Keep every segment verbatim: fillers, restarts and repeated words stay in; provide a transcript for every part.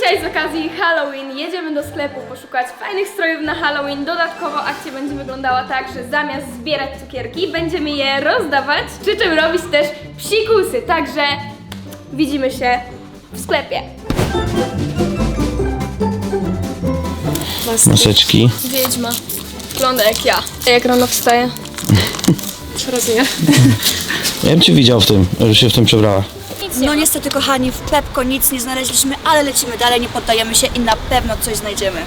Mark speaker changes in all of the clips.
Speaker 1: Dzisiaj z okazji Halloween jedziemy do sklepu poszukać fajnych strojów na Halloween. Dodatkowo akcja będzie wyglądała tak, że zamiast zbierać cukierki, będziemy je rozdawać, przy czym robić też psikusy. Także widzimy się w sklepie.
Speaker 2: Maseczki.
Speaker 1: Wiedźma. Wygląda jak ja. Jak rano wstaję. Coraz nie.
Speaker 2: Ja bym cię widział w tym, że się w tym przebrała.
Speaker 3: No niestety kochani, w Pepko nic nie znaleźliśmy, ale lecimy dalej, nie poddajemy się i na pewno coś znajdziemy.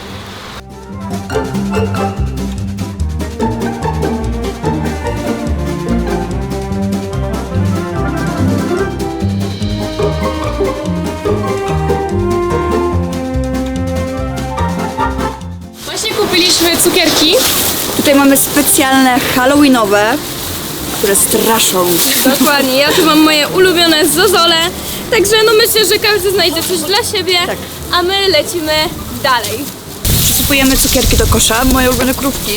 Speaker 1: Właśnie kupiliśmy cukierki.
Speaker 3: Tutaj mamy specjalne halloweenowe, które straszą.
Speaker 1: Dokładnie, ja tu mam moje ulubione zozole. Także no myślę, że każdy znajdzie coś dla siebie,
Speaker 3: Tak.
Speaker 1: a my lecimy dalej.
Speaker 3: Wsypujemy cukierki do kosza, moje ulubione krówki.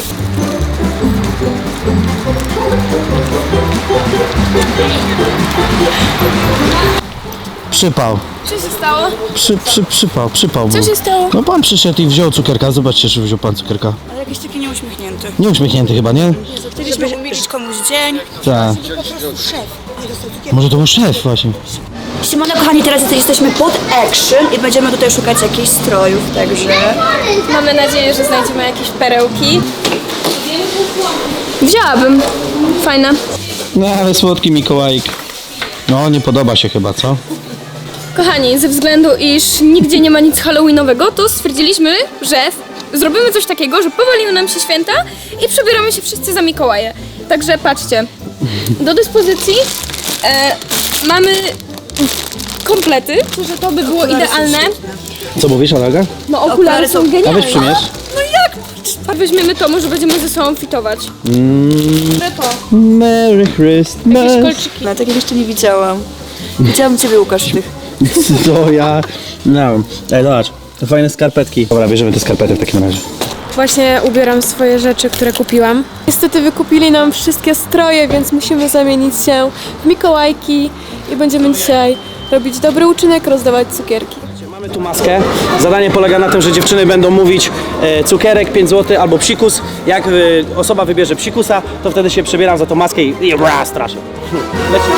Speaker 2: Przypał.
Speaker 1: Co się stało?
Speaker 2: Przy, przy, przypał, przypał
Speaker 1: Co
Speaker 2: był.
Speaker 1: się stało?
Speaker 2: No pan przyszedł i wziął cukierka. Zobaczcie, czy wziął pan cukierka.
Speaker 3: Ale jakiś taki nieuśmiechnięty.
Speaker 2: Nie uśmiechnięty chyba, nie?
Speaker 3: Żeby umilić komuś dzień.
Speaker 2: Tak. Może to był szef właśnie.
Speaker 3: Siemano kochani, teraz jesteśmy pod Action i będziemy tutaj szukać jakichś strojów, także...
Speaker 1: Mamy nadzieję, że znajdziemy jakieś perełki. Wzięłabym. Fajne.
Speaker 2: No ale słodki Mikołajek. No nie podoba się chyba, co?
Speaker 1: Kochani, ze względu iż nigdzie nie ma nic halloweenowego, to stwierdziliśmy, że zrobimy coś takiego, że powaliły nam się święta i przebieramy się wszyscy za Mikołaje. Także patrzcie, do dyspozycji e, mamy komplety, że to by było idealne.
Speaker 2: Co mówisz, Alaga?
Speaker 1: No okulary są
Speaker 2: A weź
Speaker 1: genialne.
Speaker 2: przymierz.
Speaker 1: No jak? Weźmiemy to, może będziemy ze sobą fitować. Że to.
Speaker 2: Merry Christmas.
Speaker 1: Jakieś kolczyki.
Speaker 3: No takich jeszcze nie widziałam. Widziałam ciebie, Łukasz, w tych.
Speaker 2: To ja... No. Ej, zobacz. To fajne skarpetki. Dobra, bierzemy te skarpety w takim razie.
Speaker 4: Właśnie ubieram swoje rzeczy, które kupiłam. Niestety wykupili nam wszystkie stroje, więc musimy zamienić się w Mikołajki i będziemy dzisiaj robić dobry uczynek, rozdawać cukierki.
Speaker 5: Mamy tu maskę. Zadanie polega na tym, że dziewczyny będą mówić e, cukierek pięć złotych albo psikus. Jak e, osoba wybierze psikusa, to wtedy się przebieram za tą maskę i, i bra, straszę. Lecimy.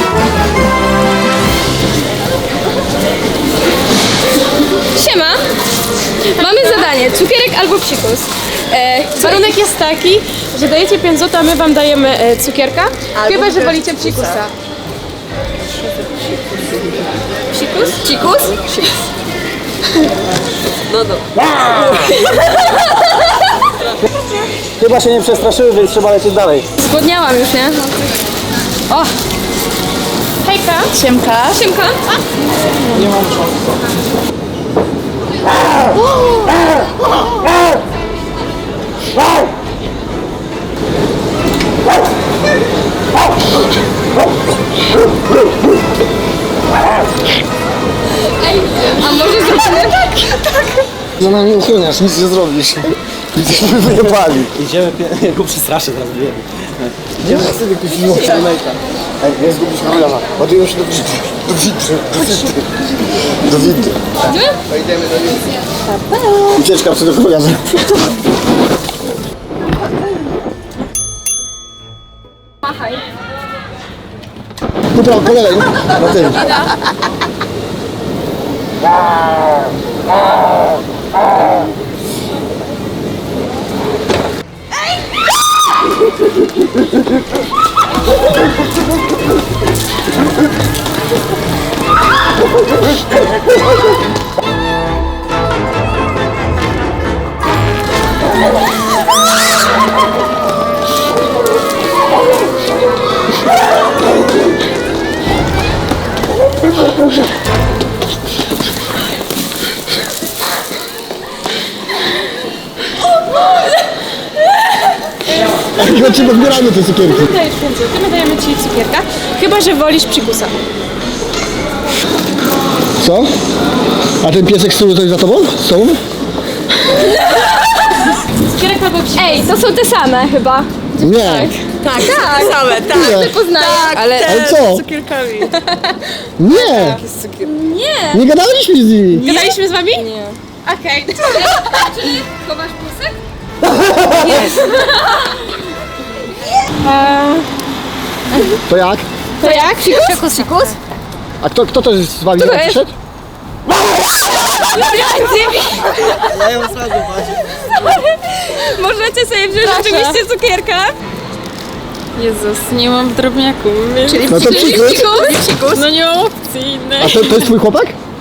Speaker 1: Siema! Mamy zadanie, cukierek albo psikus. E,
Speaker 4: Warunek jest taki, że dajecie pięć złotych, a my wam dajemy e, cukierka, chyba że wolicie psikusa.
Speaker 1: Psikus? Psikus?
Speaker 5: Chyba się nie przestraszyły, więc trzeba lecieć dalej.
Speaker 1: Zgłodniałam już, nie? O!
Speaker 4: Hejka!
Speaker 3: Siemka.
Speaker 1: Siemka! Ej, a może zrobimy tak?
Speaker 2: Za nami uchyliasz, nic nie zrobisz. Jesteśmy wyjebali.
Speaker 5: Idziemy, ja go przestraszę teraz, wiem.
Speaker 2: Nie ma sobie jakiś miłość. Ej, nie zgubisz kamerza. Ładują się do windy. Do windy. Do windy. Do windy. Ucieczka przed ochroniarzem.
Speaker 1: Machaj.
Speaker 2: Dobra, kolega, na tym. Ja ci podbieramy te cukierki.
Speaker 4: Dajesz pięć złotych, my dajemy ci cukierka, chyba że wolisz psikusa.
Speaker 2: Co? A ten piesek z tyłu to jest za tobą? Z tobą?
Speaker 4: Cukierek albo psikus.
Speaker 1: Ej, to są te same chyba.
Speaker 2: Nie.
Speaker 3: Tak, tak. Same, tak.
Speaker 2: Nie.
Speaker 1: Poznaję.
Speaker 3: Ale,
Speaker 2: Ale co?
Speaker 3: z cukierkami.
Speaker 2: Nie!
Speaker 1: Nie.
Speaker 2: Nie gadaliśmy z nimi!
Speaker 4: Gadaliśmy z wami? Nie. Okej.
Speaker 1: Czyli chowasz włosek?
Speaker 2: To jak?
Speaker 4: To jak?
Speaker 1: Fikus, fikus?
Speaker 2: A kto, kto to z wami
Speaker 1: to jest?
Speaker 2: przyszedł?
Speaker 1: Możecie sobie wziąć rzeczywiście cukierka.
Speaker 4: Jezus, nie mam w drobniaku. Czyli
Speaker 2: No to przyszły.
Speaker 1: Fikus?
Speaker 4: no nie mam opcji innej.
Speaker 2: A to, to jest twój chłopak?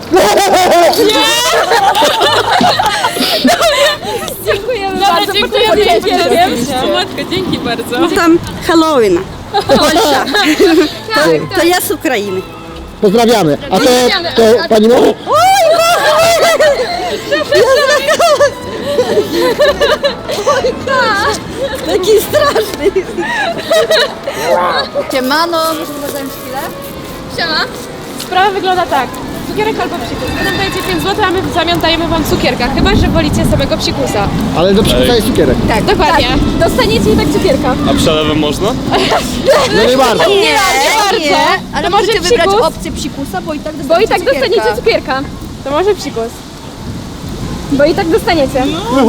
Speaker 1: Dziękujemy
Speaker 4: Dobra,
Speaker 1: bardzo.
Speaker 4: dziękuję,
Speaker 1: Potem
Speaker 4: dziękuję.
Speaker 1: podzielcie.
Speaker 4: O matko, dzięki bardzo.
Speaker 6: Tam Halloween. Polsza.
Speaker 1: Tak,
Speaker 6: To ja z Ukrainy.
Speaker 2: Pozdrawiamy. A to,
Speaker 1: Pozdrawiamy.
Speaker 2: to pani może?
Speaker 6: Taki straszny.
Speaker 3: Siemano, możemy zająć chwilę?
Speaker 1: Siema.
Speaker 4: Sprawa wygląda tak. Cukierek albo psikus. Wy nam dajecie pięć złotych, a my w zamian dajemy wam cukierka. Chyba, że wolicie samego psikusa.
Speaker 2: Ale do przykusa jest cukierek.
Speaker 4: Tak, dokładnie.
Speaker 1: Dostaniecie i tak cukierka.
Speaker 7: A przelewem można?
Speaker 2: No nie bardzo.
Speaker 4: Nie, nie bardzo.
Speaker 3: Ale
Speaker 4: To może
Speaker 3: możecie wybrać
Speaker 4: psikus?
Speaker 3: opcję psikusa, bo i tak
Speaker 1: Bo
Speaker 3: dostaniecie
Speaker 1: i tak
Speaker 3: cukierka.
Speaker 1: dostaniecie cukierka.
Speaker 4: To może psikus.
Speaker 1: Bo i tak dostaniecie.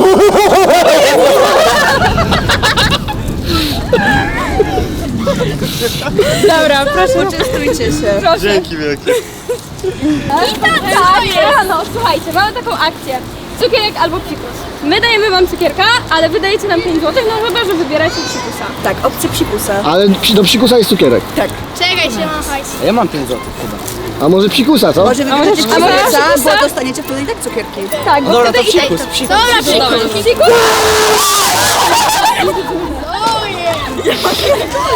Speaker 4: Dobra, proszę.
Speaker 3: Poczęstujcie się.
Speaker 1: Proszę.
Speaker 7: Dzięki wielkie.
Speaker 1: I tak, tak. No, słuchajcie, mamy taką akcję. Cukierek albo psikus. My dajemy wam cukierka, ale wy dajecie nam pięć złotych, no chyba, że wybieracie psikusa.
Speaker 3: Tak, opcja psikusa.
Speaker 2: Ale psi- do psikusa jest cukierek.
Speaker 1: Czekaj się, mam hajs.
Speaker 5: Ja mam pięć złotych chyba.
Speaker 2: A może psikusa, co?
Speaker 3: Może wybrać
Speaker 1: może
Speaker 3: psikusa,
Speaker 1: psikusa?
Speaker 3: bo dostaniecie wtedy i tak cukierki.
Speaker 1: Tak, bo
Speaker 5: Dobra, to
Speaker 1: wtedy i tak...
Speaker 5: psikus, psikus.
Speaker 1: Dobra, psikus. Psikus.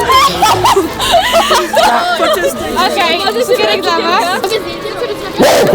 Speaker 4: Okej, okay, cukierek dla was.